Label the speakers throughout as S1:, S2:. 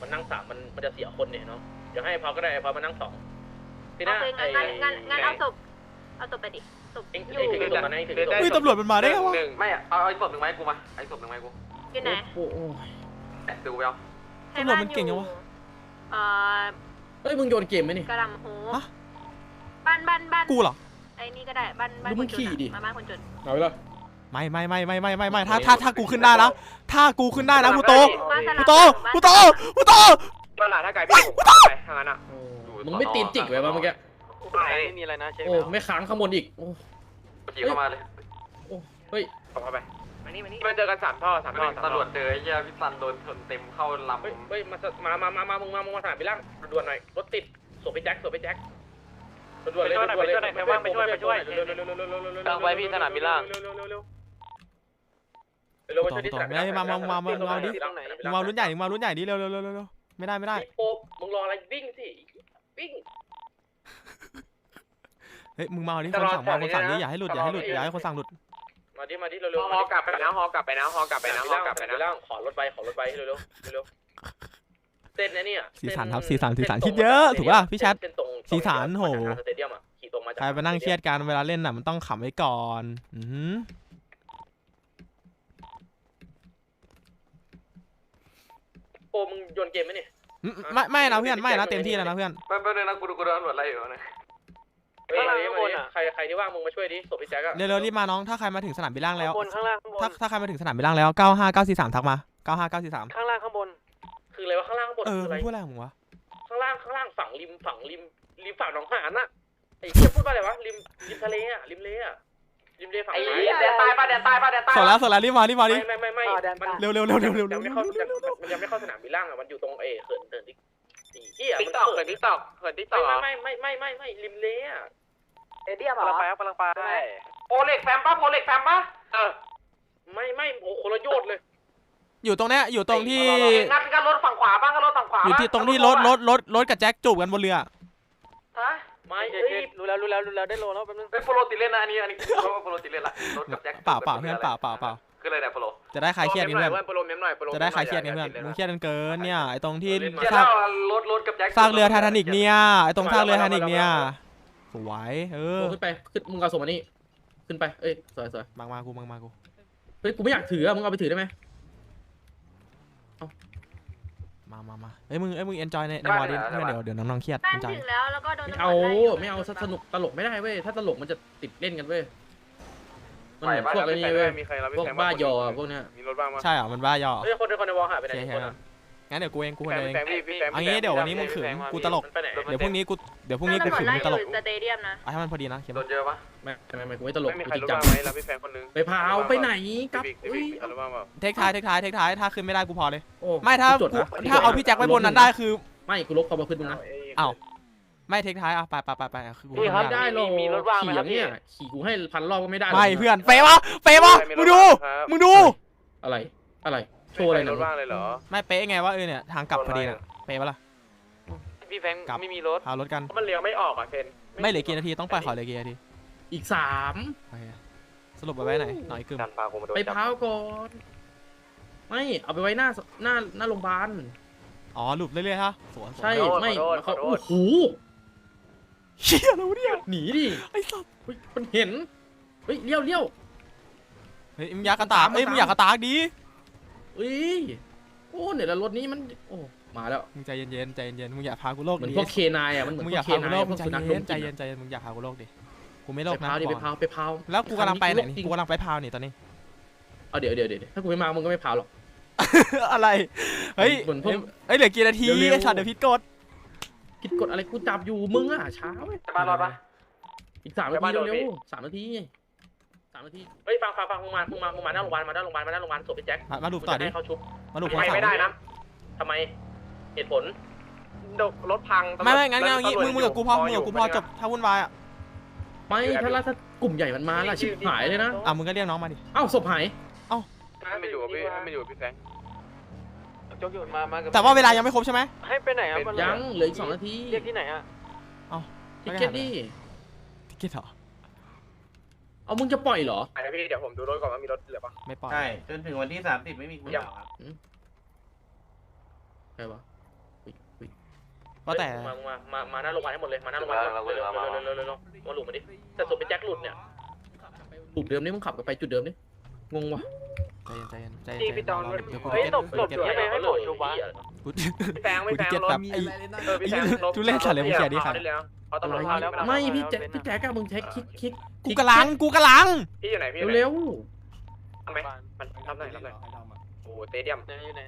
S1: มันนั่ง3มันจะเสียคนเนี่ยเนาะเดี๋ยวให้พอก็ได้พอมานั่ง2ทีน่า
S2: งั้นเอาศพไปดิศพอยู่
S1: ถึงตรงนั้นถึง
S3: เฮ้ยตำรวจมันมาได้ไงวะ
S4: ไม่เอาไอ้ศพหนึ่งไหมกูมาไอ้ศพหนึ่งไหมกู
S2: อยู่ไหน
S3: โอ้โห
S4: ดูไปเอา
S3: ตำรวจมันเก่งยังวะ
S5: เฮ้ยมึงโยนเกมไหมนี่
S2: กระลำโฮบ้าน
S3: กูเหรอ
S2: ไอ้นี่ก็ได้บ้านคนจนมาบ้านคนจน
S5: เอาไปเลย
S3: ไม่ถ้ากูขึ้นได้นะถ้ากูขึ้นได้นะกูโต
S4: ตลาดถ้าไก่พี่ไปทางนั้นอ่ะ
S5: มึงไม่ตีนจิกไว้ป่ะเมื่อกี้
S4: ไม่มีอะไรนะเชฟ
S5: โอ้ไม่ค้างข้างบนอีกโอ้
S4: ขี่เข้ามาเลย
S5: เฮ้ย
S4: เข้าไปมาเจอกัน3 ท่อตำรวจเจอไอ้เหี้ยพี่ซันโดนชนเต็มเข้าลำ
S1: เฮ้ยมามึงมาสนามบินล่างด่วนหน่อยรถติดส่งไปแจ็คด่วนเลยไปช่วยกำลังไปพี่สนามบินล่างเร็วๆไปช่วยที่สนามบินล่าง
S3: มาดิมารุ่นใหญ่ดิเร็วไม่ได้
S1: โอ้มึงรออะไรวิ่งสิวิ่ง
S3: เฮ้ยมึงมาดิคนสั่งดิอย่าให้หลุดอย่าให้คนสั่งหลุด
S1: มาดิเร็วๆ
S4: ฮอกลับไปนะ
S1: ขอรถไปเร็วเส้นนะเนี่ย
S3: สีสันครับสีสันคิดเยอะถูกป่ะพี่แชทสีสันโห
S1: สเตเดียมอ่ะขี่ตรงมาจาก
S3: ใครไปนั่งเครียดกันเวลาเล่นน่ะมันต้องขำไว้ก่อน
S1: โอ้มึงโยนเกมไหมเนี่ย
S3: ไม่นะเพื่อนไม่นะเต็มที่แล้วนะเพื่อน
S4: แป๊บนึงนะกูดูตำรวจอะไรอยู่นะใครที่ว่างมึงมาช่วยดิศพพี่แจ็คอะ
S3: เร็วรีบมาน้องถ้าใครมาถึงสนามบินล่างแล้ว
S4: ข้างล่าง
S3: ถ้าใครมาถึงสนามบินล่างแล้ว95943ทักมา95943
S4: ข้างล่างข้างบน
S1: คืออะไรวะข้างล่างข้างบน
S3: พูดอะไรของมึงวะ
S1: ข้างล่างฝั่งริมฝั่งหนองหานน่ะไอ้เหี้ยพูดว่าอะไรวะริมทะเลอ่ะริมเลฝั่งไหน
S4: แดนใต้ป่ะ
S3: สดแล้วรีบมาดิ
S1: ไม่
S3: เร็ว
S1: มันยังไม่เข้าสนามบินล่างอ่ะมันอยู่ตรงเขินที่เหี้ยมันเขินที่ตอกไม่ริมเลอ่ะ
S4: เอเดียมเหรอกำลังไปโพเล็กแฟมป่ะ
S1: ไม่โอ้คนละโยดเลย
S3: อยู่ตรงเนี้ยอยู่ตรงที่
S4: งั้นก็รถฝั่งขวาบ้างก็รถฝั่งขวา
S3: อยู่ที่ตรงที่รถกับแจ็คจูบกันบนเรือ
S4: ฮะ
S1: ไม่
S4: รู้แล้วได้โลแล้วแป๊บนึงโปรติดเล่นนะอันนี้โปรติดเล่นละรถกับแจ็ค
S3: เปล่าเพื่อนเปล่า
S4: คืออะไรเนี่ยโปร
S3: จะได้คลายเครียดกันเพื่อน
S4: โปรเมมหน่อย
S3: จะได้คลายเครียดกันเพื่อนมึงเครียดกันเกินเนี่ยไอตรงที่
S4: รถกับแจ็ค
S3: สร้างเรือไททานิกเนี่ยไอตรงสร้างเรือไททานิกเนี่ยสวย
S5: ขึ้นไปมึงเอาส่งมานี่ขึ้นไปเอ้ยสวย
S3: มากู
S5: เฮ้ยกูไม่อยากถือมึงเอาไปถือได้ไหม
S3: มาเฮ้ยมึงเอนจอยในวอร์ดิเดี๋ยวน้องเครียด
S2: บ้านถึงแล้วแล้วก็โดน
S5: ไม่เอาสนุกตลกไม่ได้เว้ยถ้าตลกมันจะติดเล่นกันเว้ยมันเหมือนพวกอะไรนี่เว้ยพวกบ้ายอพวกเนี้ย
S4: มีรถบ้างมั้ย
S3: ใช่เหรอมันบ้ายอ
S1: เฮ้ยคนในวอลหายไปไหน
S3: งั้นเดี๋ยวกูเองเอางี้เดี๋ยววันนี้มึงขึงกูตลกเดี๋ยวพรุ่งนี้กูขึงมึงตลก
S2: สเตเดียมนะ
S3: ให้มันพอดีนะ
S4: โดนเยอะปะ
S5: ไม่กูไม่ตลก
S4: ไม่มีใครรู้บ้างไหมแล้วพี่แฟนคนนึง
S5: ไปพาวไปไหนกับ
S3: เทคท้ายถ้าขึ้นไม่ได้กูพอเลยไม่ถ้าเอาพี่แจ็คไว้บนนั้นได้คือ
S5: ไม่กูลบความประพฤติมึงนะ
S3: อ้าวไม่เทคท้ายไปคือกู
S5: ไม่ได้หรอกมีรถว่างไหมครับพี่ขี่กูให้1,000 รอบก็ไม่ได้
S3: ไม่เพื่อนเป๊ะวะมึงดูอะไรโชว์อะไร
S4: รถว่างเลยเหรอ
S3: ไม่เป๊ะไงว่าเนี่ยทางกลับพอดีน่ะเป๊ะปะล่ะ
S4: พี่แฟงไม่มีรถ
S3: พารถกัน
S4: มันเลี้ยวไม่ออกอ่ะเซน
S3: ไม่เหลือกี่นาทีต้องไปขอเหลือกี่นาที
S5: อีก3
S3: สรุปไปไว้ไหนหน่อยกึ่ม
S5: ไปพาวก่อนไม่เอาไปไว้หน้าโรงพยาบาล
S3: อ๋อหลุดเรื่อยๆฮะ
S5: ใช่ไม่เขาโอ้โห
S3: เชี่ยแล้วเนี่ย
S5: หนีดิ
S3: ไอ้สัส
S5: มันเห็นเฮ้ยเลี้ยว
S3: เฮ้ยมึงอยากกระตากมึงอยากกระตากดี
S5: โอ้เนี่ยแล้วรถนี้มันโอ้มาแล้ว
S3: มึงใจเย็นมึงอยากพากูโลก
S5: เหมือนพวกเคนายอ่ะมันเหมือนพวกเคนายพวกสุนัขดม
S3: ใจเย็นมึงอยากพากูโลกดิกูไม่โลกนะ
S5: ไปพาว
S3: แล้วกูกำลังไปไหนกูกำลังไปพาวนี่ตอนนี้
S5: เอาเดี๋ยวถ้ากูไม่มามึงก็ไม่พาวหรอก
S3: อะไรเฮ้ยเหลือกี่นาทีไอ้สัตว์เดี๋ยวผิดก
S5: ฎอะไรกูจับอยู่มึงอ่ะช้าเว้ย
S4: มารอดปะ
S5: อีก3 นาทีเร็ว3 นาที
S1: เฮ้ยฟังมึงมาหน้าโรงพยาบาลศพพี่แจ็ค
S3: มาดูต่อดิ
S1: เขาชุบ
S3: มาดู
S4: ไม่ได้นะ
S1: ทำไมเหตุผล
S4: รถพัง
S3: ไม่งั้นมึงกับกูพอจบถ้าวุ่นวายอ่ะ
S5: ไม่ถ้ากลุ่มใหญ่มันมาล่ะชิบหายเลยนะ
S3: มึงก็เรียกน้องมาดิ
S5: ศพหาย
S4: ไม่อยู่พี่แฟงจกอยู่มา
S3: แต่ว่าเวลายังไม่ครบใช่ไหม
S4: ให้ไปไหนอ่ะ
S5: ยังเหลืออีก2 นาที
S4: เรียกที่ไหนอ่ะ
S5: ทิเก็ตดิ
S3: ทิเก็ตเหรอ
S5: เอามึงจะปล่อยเหรอ
S4: ไอพี่เดี๋ยวผมดูรถก่อนว่ามีรถเหลือปะ
S3: ไม่ปล่อย
S6: ใช่จนถึงวันที่30ไม่มีคุณเหรอครับ
S5: ใช่ปะ
S3: ว่าแต่
S1: มาหน้าโรงพยาบาลให้หมดเลยมาหน้าโรงพยาบาลเร็วมาหลุดมาดิแต่ศพเป็นแจ็คหลุดเนี่ย
S5: จุดเดิมนี่มึงขับไปจุดเดิมนี่งงวะ
S3: ใจเย็นเดี๋ยวกู
S1: เฮ้ย
S3: เก็ต
S1: หลบยังไงให้โผล่ชูวะ
S3: กู
S1: แฟงไม่แฟง
S3: เก็ต
S1: รถ
S3: แบบไอ้
S1: พี่แฟงรถ
S3: ทุเรศสัตว์เลยมึงเสียดิค่ะ
S1: เขาตำรวจพาแล้ว
S5: ไม่พี่แจ๊กมึงใช้คลิก
S3: กูกำลัง
S1: พี่อยู่ไหนพี่
S5: เร็ว
S1: ทำไหมมันทำหน่อยโอ้สเตเดียม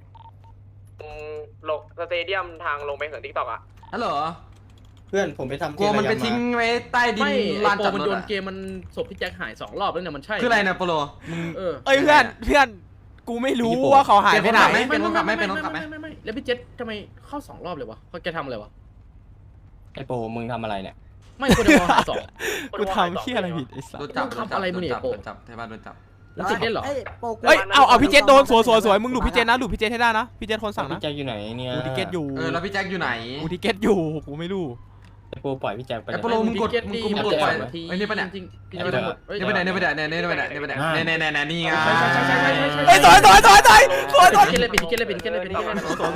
S1: ลงสเตเดียมทางลงไปเหินทิกตอกอ่ะ
S6: ฮัลโหล
S7: เพื่อนผมไปทำ
S6: กลัวมันไปทิ้งไว้ใต้ดิน
S5: ไม่
S6: ลาน
S5: โป
S6: จอด
S5: มัน
S6: ร
S5: โย
S6: ถ
S5: นเกมมันศพพี่แจ็คหาย2 รอบแล้วเนี่ยมันใช่
S6: คืออะไรนะโปโลมึง
S5: เออ
S3: เอ้ยเพื่อนกูไม่รู้ว่าเขาหายไปไหน
S6: เป็นคนขับไหมเป็นคนขับไหม
S5: ไม่แล้วพี่เจ็ดทำไมเข้า2 รอบเลยวะเขาแกทำอะไรวะ
S7: ไอโปมึงทำอะไรเนี่ย
S5: ไม่คนเดียวหาย2
S3: กูทำเหี้ยอะไรผิดไอ้สัส
S6: โดนจับ
S5: ขับอะไรมึงเนี่ยโป
S6: โดนจับใช่ป่ะโดนจับ
S5: แล้วติดได้เหรอ
S3: เอ้ยเอาพี่เจษโดนสวยมึงหลุดพี่เจษนะหลุดพี่เจษให้ได้นะพี่เจษคนสั่ง
S7: พี่
S3: นะ
S7: แจ็คอยู่ไหนเนี่ย
S3: กูทิเก็ตอยู่
S6: แล้วพี่แจ็คอยู่ไหน
S3: กูทิเก็ตอยู่กูไม่รู้
S7: ไอโปปล่อยพี่แจ็คไป
S6: ไอโปโลมึงกดปล่อยไอ้นี่ปะเนี่ย
S5: จริง
S6: นี่ไปไหนนี่ไปไหนนี่ไปไหนนี่ไปไหนนี่ไปไหนนี่ไง
S3: เอ้ยสวย
S5: ปิดเลยปิดเลยปิดเลยปิดเลย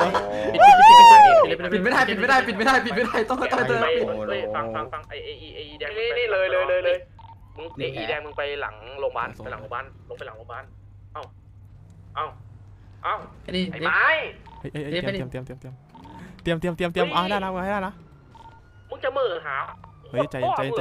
S6: ปิดไม่ได้ต้อง
S1: ฟังไอแดงนี่เลยมึงไอแดงมึงไปหลังโรงพยาบาลไปหลังโรงพยาบาลลงไปหลังโรงพยาบาลเอ้าไอ้ไม้
S3: เฮ้ยเตรียมเอาให้ได้นะให้ได้นะ
S1: มึงจะมือหา
S3: เฮ้ยใจ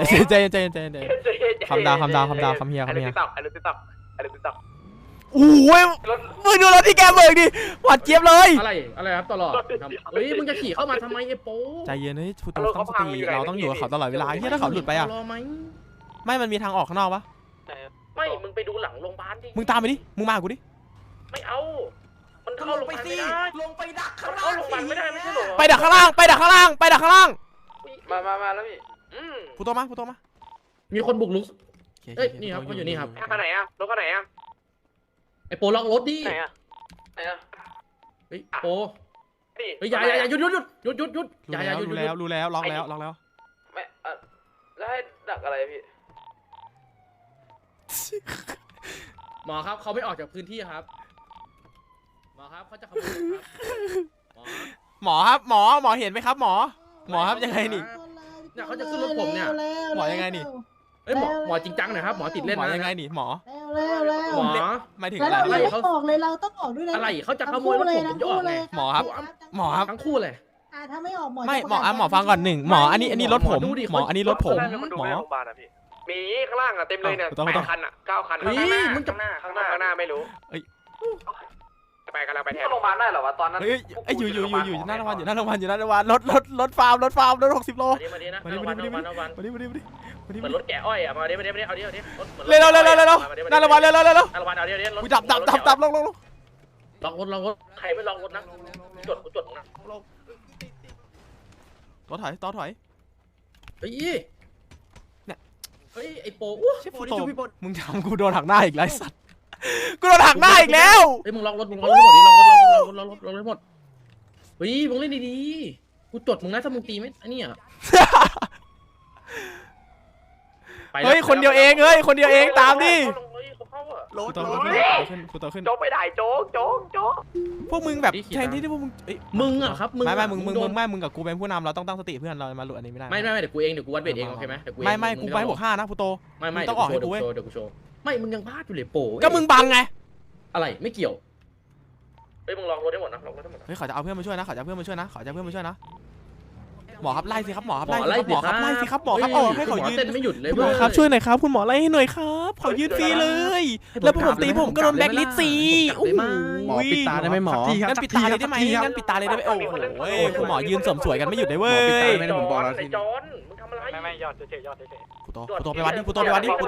S3: คำดาวคำเฮีย
S1: ไอ้ติ๊กต็อก
S3: โอ้ยมึงดูรถที่แกเบิกดิหวาดเจี๊ยบเลย
S5: อะไรครับตลอดเฮ้ยมึงจะขี่เข้ามาทำไมไอ้โป
S3: ใจเย็นเฮ้ยฟูโตตั้งสติเราต้องอยู่กับเขาตลอดเวลาเฮียถ้าเขาหลุดไปอ่ะ
S5: รอไหม
S3: ไม่มันมีทางออกข้างนอกปะ
S1: ไม่มึงไปดูหลังโรงพยาบาลดิ
S3: มึงตามไปดิมึงมากูดิ
S1: ไม่เอามันเข้าโรงพยาบาลไม่ได้
S6: ลงไปดักข้าง
S1: เข้าโรงพยาบาลไม่ได้ไม่ใช่หรอ
S3: ไปดักข้างล่าง
S4: มาแล้วพี่
S3: ฟูโตมา
S5: มีคนบุกลุกเอ้ยนี่ครับเขาอยู่นี่ครับ
S1: ข้างไหนอะรถข้างไหนอะ
S5: ไอ้โปล็อกรถดิ
S1: ไหนอะ
S5: เฮ้ยโปเฮ้ยอย่าหยุดอย่าหยุด
S3: รู้แล้วล็อกแล้ว
S4: ไม่แล้วให้ดักอะไรพี่
S5: หมอครับเขาไม่ออกจากพื้นที่ครับหมอครับเขาจะขโมยครับ
S3: หมอครับหมอเห็นไหมครับหมอครับยังไงนี่
S5: เนี่ยเขาจะขึ้นรถผมเนี่ย
S3: หมอยังไงนี่
S5: เอ้ยหมอจริงจังหน่อยครับหมอติดเล่น
S3: หมอ
S5: นะ
S3: ยังไงนี่หมอ
S5: หมอ
S3: หมายถึง
S8: แล้ว
S3: อะไร
S8: เราต้องออกเลยเราต้องออกด้วยนะ
S5: อะไรเขาจะขโมยรถผมผมจะออกไง
S3: หมอครับ
S5: ทั้งคู่เลย
S8: ถ้าไม่ออกหมอ
S3: ไม่หมอฟังก่อนหนึ่งหมออันนี้รถผมหมออันนี้รถผมหมอ
S1: มีข้างล่างอะเต็มเลยเนี่ย8 คันอะ9 คัน
S5: เฮ้ยมึงจะ
S1: ข้างหน้าไม่รู้ไปกำลังไปแทน
S4: โรงพยาบาลได้เหรอวะตอนนั้น
S3: เฮ้ยอยู่หน้าโรงพยาบาลรถฟาร์มรถ60 โล
S1: มาดินะมาดิมาดิเหมือนรถแกะอ้อยอะมาดิเอาดิ
S3: เร็วหน้าโรงพยาบาลเร็ว
S1: รถ
S3: กูจับลง
S5: ล็อกรถ
S1: ใครไม่ล็อกรถนะจดนะ
S3: ต่อถอย
S5: เฮ้ย
S3: เนี่ย
S5: เฮ้ยไอ้โป
S3: เชฟฟูโตมึงทำกูโดนหักหน้าอีกแล้วสัตว์กูโดนหักหน้าอีกแล้ว
S5: เฮ้ยมึงล็อกรถหมดดิล็อกรถหมดเฮ้ยมึงเล่นดีๆกูจดมึงนะถ้ามึงตีไม่อันนี้อ่ะ
S3: เฮ้ยคนเดียวเองตามดิ
S1: รถ
S3: ฟูโตขึ้น
S1: โจ๊กไปได้โจ๊ก
S3: พวกมึงแบบแทนที่พวกมึง
S5: มึงอ่ะครับมึง
S3: ไม่มึงกับกูเป็นผู้นำเราต้องตั้งสติเพื่อนเรามาหลุดอันนี้ไม่ได้
S5: ไม่เดี๋ยวกูเองเดี๋ยวกูวัดเวทเองโอเคไหมเดี๋ยวกู
S3: ไม่กูไปบวก5นะฟูโต
S5: ไม่
S3: ต้องออกให้กูเว้ย
S5: เดี๋ยวกูโชว์ไม่มึงยังพลาดอยู่เลยโป
S3: ก็มึงบังไง
S5: อะไรไม่เกี่ยว
S1: เฮ้ยมึงลองรถได้หมดนะลองรถได้หมดนะ
S3: เฮ้ยเขาจะเอาเพื่อนมาช่วยนะหมอครับไล่สิครับหมอครับไล่สิครับหมอครับให้เขายืน
S5: เต้นไม่หยุดเลย
S3: คุณหมอครับช่วยหน่อยครับคุณหมอไล่ให้หน่อยครับขอยืนฟรีเลย แล้วผมตีผมก็โดนแบ็คลิสต์โอ้โห
S7: หมอปิดตาได้ไหมหมอ
S3: งั้นปิดตาเลยได้ไหมโอ้โหคุณหมอยืนสมสวยกันไม่หยุดเลยเว้ย
S7: ไม่ได้ผมบอกแล้ว
S1: ไอ้จอนมึงทำอะไร
S4: ไม่ยอดเฉย
S3: ฟูโตไปวัดดิฟูโตไปวัดดิ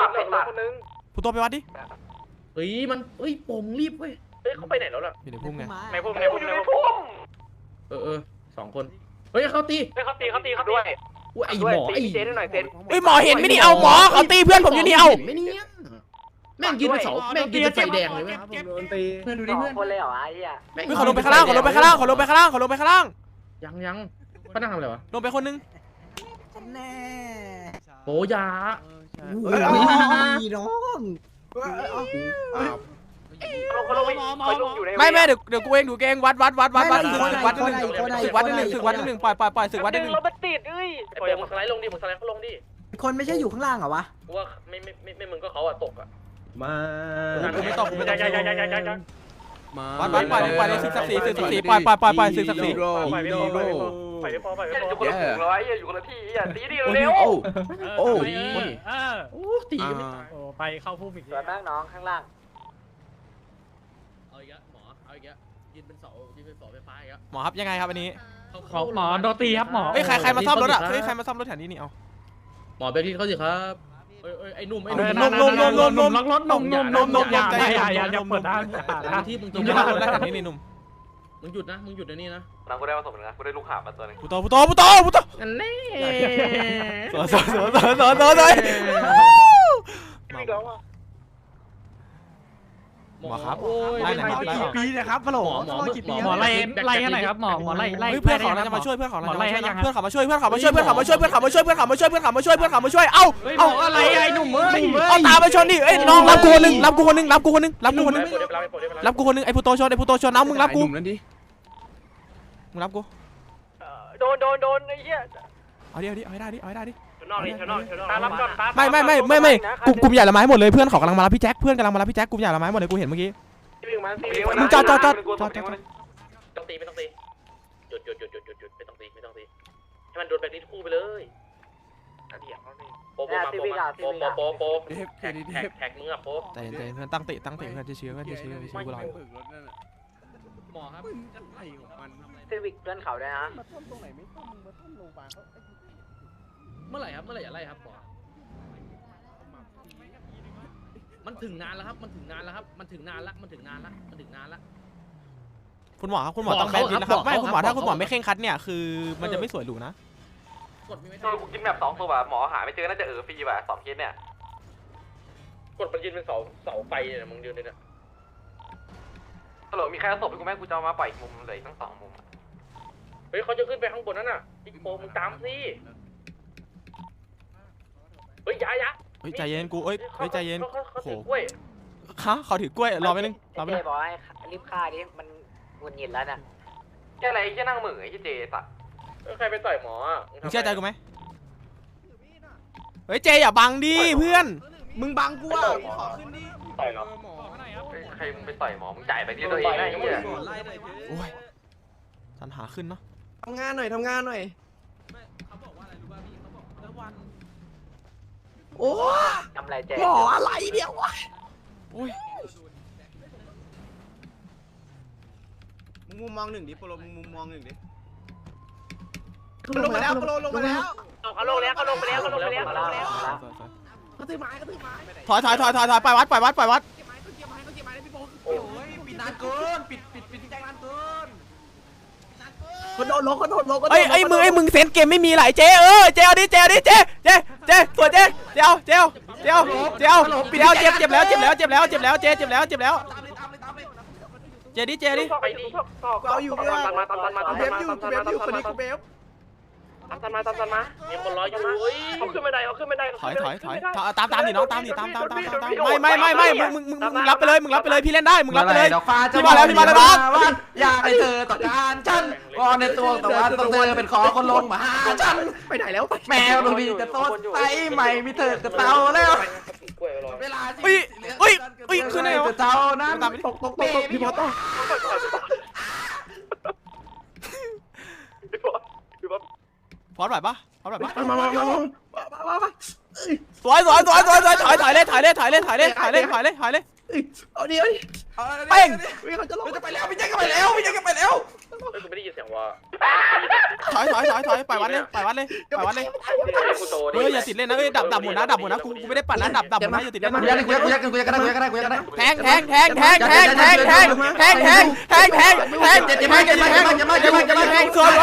S5: เฮ้ยมันเฮ้ยโปมึงรีบเว้ย
S1: เฮ้ยเขาไปไหนแล้วล่ะ
S3: อยู่ในพุ่มไง
S4: ในพุ่ม
S5: 2 คนเฮ้ยเขาตี
S4: เขาตี
S5: ด้วยไอ้หมอไอ้
S1: เซนหน่อยเซน
S3: เฮ้ยหมอเห็นไม่นี่เอาหมอเขาตีเพื่อนผมอยู่นี่เอา
S5: ไม่เนี่ยแม่งยืนเป็นเสาแม่งยืนเป็นไฟแดงเลยเว้ย
S7: เพื่อนดูดิเพื่อน
S4: คนเลยเหรอไอ้เหี้ย
S3: เฮ้ยเขาลงไปข้างล่าง
S5: ยังเขานั่งทำอะไรวะ
S3: ลงไปคนนึง
S5: โปยา
S7: น้อง
S4: เขาลงอยู่ใน
S3: ไม่เดี๋ยวกูเองวัดศึกวัดนิดนึงศึกวัดนิดนึงปล่อยศึกวัดนิดนึง
S4: รถมันติดเอ้ย
S1: ปล่อยมึงสไลด์ลงดิมึงสไลด์เขาลงดิ
S9: คนไม่ใช่อยู่ข้างล่างเหรอวะ
S1: กูว่าไม่มึงก็เขาอะตกอะ
S7: มา
S3: กูไม่ตก
S7: มา
S3: วัดปล่อยศึกศักดิ์ศรีปล่อยศึกศักดิ์ศรี
S1: ปล่อยไม่พอปล่อยไม่พอ
S4: อยู่คนละถุงร้อยอยู่คนละที่ตีดิเร็ว
S7: โอ้
S5: ตีกันไม่
S10: ไปเข้าพุ่มอีก
S4: สวนนั่งน้องข้างล่าง
S5: เอาอีกแล้วหมอเอาอีกแล้วยืนเป็นเสาไฟฟ้าอีกแล้ว
S3: หมอครับยังไงครับอันนี้
S10: หมอโดนตีครับหมอ
S3: เฮ้ยใครมาซ่อมรถอ่ะเฮ้ยใครมาซ่อมรถแถวนี้นี่เอา
S5: หมอเบรกที่เขาสิครับไอ้หนุ่ม
S10: ล็อกรถนมอย่าเปิดด้าน
S5: ที่มึง
S3: มึงจะมาลงได้แถวนี้นี่หนุ่ม
S5: มึงหยุดนะมึงหยุดในนี่นะ
S4: น้องกูได้ผสมนะกูได้ลูกหาบมาตัวนึง
S3: พุโต
S5: อันนี้
S3: สวยหมอครับไล่หน่อยครับ
S7: กี่ปีนะครับฮัลโหล
S10: หมอไล่ให้หน่อยครับหมอไล่
S3: เพื่อนเขาจะมาช่วยเพื่อนเขามาช่วยเอ้า
S10: อะไรไอ้หนุ่มเอ้ย
S3: เอาตามมาชนดิเอ้ยน้องรับกูคนนึงไอ้พุโตชนน้ำมึงรับกู
S7: นั่นดิ
S3: มึงรับกู
S4: โดนไอ้เหี้ย
S3: เอาดิเอาให้ได้ดิ
S1: ชนอกตารับก่อนตา
S3: ไม่กลุ่มใหญ่ละไม้หมดเลยเพื่อนเขากำลังมารับพี่แจ็คกลุ่มใหญ่ละไม้หมดเลยกูเห็นเมื่อกี้
S1: ต้องตีไม่ต้องตีหยุดไม่ต้องตีให้มันโดนแบบนี้คู่ไปเลยโปแท็กมึงอะโป
S3: แต่เพื่อนตั้งเตะเพื่อนจะเชื้อกูรอ
S5: หมอครับ
S7: อะไรของมัน
S4: ซีวิกเพื่อนเขาด้วยนะ
S7: มาท่อมตรงไหนไม่ท่อมมึงมาท่อมโรงพยาบาลเขา
S5: เมื่อไหร่อย่าไล่ครับหมอมันถึงนานแล้วครับมันถึงนานละ
S3: คุณหมอต้องแบนดินนะครับไม่คุณหมอถ้าคุณหมอไม่เคร่งคัดเนี่ยคือมันจะไม่สวยหรูนะ
S5: กดมีไม่
S4: ตัวกูกินแบบ2ตัวหมอหาไม่เจอน่าจะฟรีว่ะ2เคสเนี่ย
S1: กดมันยืนเป็นเสาไฟเนี่ยมึงยืนเนี่ย
S4: ฮัลโหลมีใครเอาศพให้กูไหมกูจะมาปล่อยมุมเลยทั้ง2มุม
S1: เฮ้ยเขาจะขึ้นไปข้างบนนั่นน่ะอีกโปมึงตามสิเฮ้ยยะ
S3: เฮ้ยใจเย็นกูเฮ้ยใจเย็น
S1: เขาถือกล้วย
S3: เขาถือกล้วยรอไปนึง
S4: เจบอกให้รีบฆ่าดิมันวนหยินแล้วน่ะแค่อะไรแค่นั่งมือไอ้เจสัตว์
S1: ใครไปต่อยหมออ่ะ
S3: มึงเชื่อใจกูไหมเฮ้ยเจอย่าบังดิเพื่อน
S7: มึงบังกูอ่ะขอขึ้นดิ
S1: ต่อยเหรอ
S4: ใครมึงไปต่อยหมอมึงจ่ายไปที่ตัวเองนะไอ้เหี้ย
S3: โอ้ยสัญหาขึ้นเนาะ
S7: ทำงานหน่อย
S5: เขาบอกว่าอะไรรู้ป่ะพี่เขาบอกแล้ววัน
S7: โอ้
S4: ทำไรเจ
S7: หมออะไรเดี๋ยววะ
S3: โอ้ย
S7: มึงมุมมองหนึ่งดิโปรมึงมุมมองหนึ่งดิลงมาแล้วโปรลงมาแล้ว
S1: เขาลงแล้วเขาลงไปแล้วเขา
S3: ถอยไปวัด
S7: โอ้ยปิดนานเกินปิดแจ้งนานเกินเขาโดนลง
S3: เอ้ยมึงเซนเกมไม่มีหลายเจเจเอาดิเจสวยเจเอาเจ็บแล้วเจ็บแล้วเจดิ
S1: ไปดิ
S7: เอาอยู่เพื่อนเบฟอยู่คนนี้กูเบฟ
S1: ตันมามีคนรออยู่เฮ้ยเขาขึ้นไม่ได้
S3: ถอยตามดิน้องตามไม่มึงรับไปเลยพี่เล่นได้มึงรับไปเลย พี่มาแล้วน้อง
S6: อยากให้เธอต่อการฉันวอนในตัวแต่ว่าต้องเธอเป็นขอคนลงมาหาฉัน
S7: ไปไหนแล้ว
S6: แมวดูดีจะโตใสใหม่มีเธอกับเต่าแล้วเวลา
S3: ขึ้นไหนวะ
S6: เต่านั้น
S7: ตกพี่บอสต้อง
S3: พร้อมไหวปะ
S7: มา
S3: สวยถอยเลย
S7: เอาดิเอาดิ
S3: เป้ง
S7: เขาจะลง
S6: จะไปแล้วพี่แจ็คก็ไปแล้ว
S1: กูไม่ได้ยินเสียงว่า
S3: ถอยไปวัดเลยเฮ้ยอย่าติดเล่นนะเฮ้ยดับหมดนะกูไม่ได้ปั่นนะดับหมดนะอย่าติดเล่นนะแทงสวย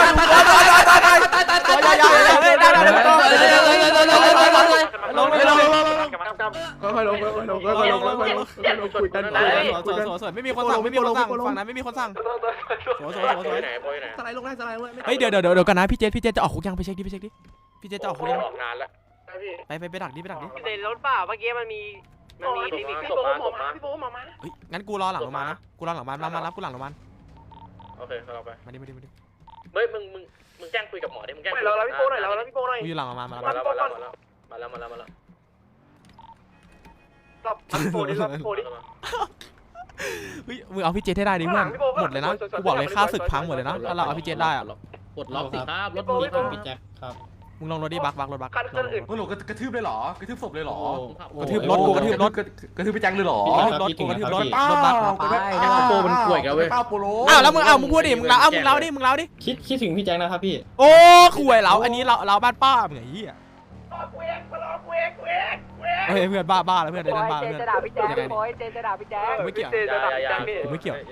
S3: ไม่มีคนสั่งฝั่งนั้นไม่มีคนสั่ง
S7: สไลด์ลงได้
S3: เฮ้ยเดี๋ยวกันนะพี่เจจะออกคุกยังไปเช็คดิพี่เจจะออกคุกยัง
S1: ออกนานแล้ว
S3: ไปดักดิ
S4: ในรถเปล่าเมื่อกี้มันมี
S1: ไม่มีพี่โบหมอมาพี่โบหมอมา
S3: เฮ้ยงั้นกูรอหลังโรงพยาบาลนะกูรอหลังโรงพยาบาลมารับกูหลังโรงพยาบาล
S1: โอเคเราไป
S3: มาดิ
S1: เฮ้ยมึงแจ้งคุยกับหมอดิมึงแจ้งเราพี่โบหน่อยเราพี่โบหน่อย
S3: กูอยู่หลังโรงพยาบาลมา
S1: มาแล้วรับโบดิรับโบดิ
S3: เฮ้ยมึงเอาพี่เจให้ได้ดิเพื่อนหมดเลยนะกูบอกเลยค่าศึกพังหมดเลยนะถ้าเราเอาพี่เจได้อะ
S5: ปลดล็อกสิครับรถมึงมีพี่แจ็คครับ
S3: มึงลงรถดิบักรถบัก
S1: คันอื่น
S6: มึงหลกกระทืบเลยเหรอกระทืบศพเลยเหรอก
S3: ระทืบรถกูกระทืบรถ
S6: กระทืบไปแจ็คเลยเหรอ
S3: รถกูกระทืบรถ
S6: ป้าร
S3: ถบัก
S5: แจ็คโปมันป่วยกันเว้ย
S6: ป้าโปโล
S3: อ้าวแล้วมึงมึงพูดดิมึงเล่าดิ
S10: คิดถึงพี่แจ็คนะครับพี่
S3: โอ้ข่วยเราอันนี้เราบ้านป้ามึงไอ้เหี้ยเฮ้ยเพื่อนบ้าแล้วเพื่อนเดินบ้า
S4: เจ
S3: เพื่อน
S4: จะด่าพี่แจ๊คโอยเจจะด่าพี่แจ๊ค
S3: ไม่เกี่ยวผมไม่เกี่ยว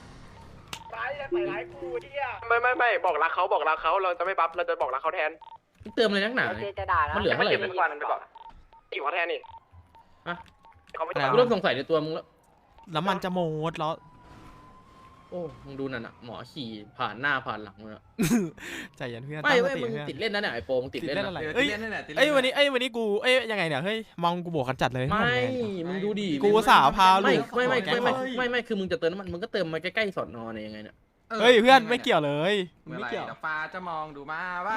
S1: ไม่บอกรักเขาเราจะไม่บัฟเราจะบอกรักเขาแทน
S5: เติมเลยนักหนา
S4: เจจะด่านะ
S5: มันเหลือเท่าไหร่
S1: เป็นวันไปก่อนอีกว่าแทนนี่เขาไม่
S5: กูเริ่มสงสัยในตัวมึงแล้ว
S3: น้ำมันจะหมดแล้ว
S5: โอ้มึงดูนั่นอะหมอขี่ผ่านหน้าผ่านหลังมึงอะ
S3: ใจเย็นเพื่อน
S5: ไม่เว้ยมึงติดเล่นนะเนี่ยไอโปมึงติดเล่น
S3: อะไร
S6: เอ้ย
S3: เอ้ยวันนี้กูยังไงเนี่ยเฮ้ยมองกูบวกกันจัดเลย
S5: ไม่มึงดูดิ
S3: กูสาวพาลูก
S5: ไม่คือมึงจะเติมน้ำมันมึงก็เติมมาใกล้ๆสอนอเนี่ยยังไงเนี่ย
S3: เฮ้ยเพื่อนไม่เกี่ยวเลย
S6: เมื่อ
S3: ไม่
S6: ไหร่
S3: เกี่ยว
S6: ฟ้าจะมองดูมาว่า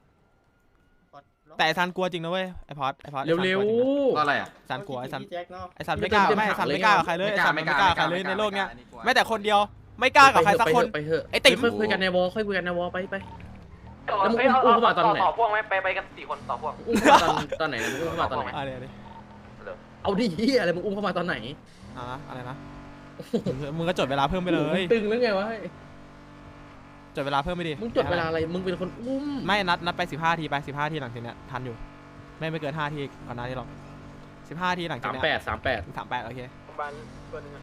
S3: แต่ไอซันกลัวจริงนะเว้ยไอพอด
S5: เร็ว
S6: อะไรอ่ะ
S3: ซันกลัวไอซัน
S10: พี่แจ็คเนาะ
S3: ไอซันไม่กล้าไม่ไอซันไม่กล้ากับใครเลยไอซันไม่กล้ากับใครเลยในโลกเนี้ยแม้แต่คนเดียวไม่กล้ากับใครสักคน
S5: ไปเถอะ
S3: ไอ้ติ๋ม
S5: ค่อยคุยกันในวอลไปแล้วมึงอุ้มเข้ามาตอนไหน
S4: ต่อพวกไหมไปกัน4 คนต่อพวก
S5: อุ้มเข้ามาตอนไหนมึงอุ้มเข้ามาตอนไหน
S3: อะไร
S5: เอาดิเฮียอะไรมึงอุ้มเข้ามาตอนไหน
S3: อะไรนะมึงก็จดเวลาเพิ่มไปเลย
S5: ตึงหรือไงวะ
S3: จดเวลาเพิ่มไปดิ
S5: มึงจดเวลาอะไรมึงเป็นคนอุ้ม
S3: ไม่นัดไป15 ทีไป15 ทีหลังจากเนี้ยทันอยู่ไม่เกิน5 ทีก่อนหน้านี้หรอก15 ทีหลังจากเนี้ย
S5: 38
S3: 38โอเค
S1: บ้านตัวนึง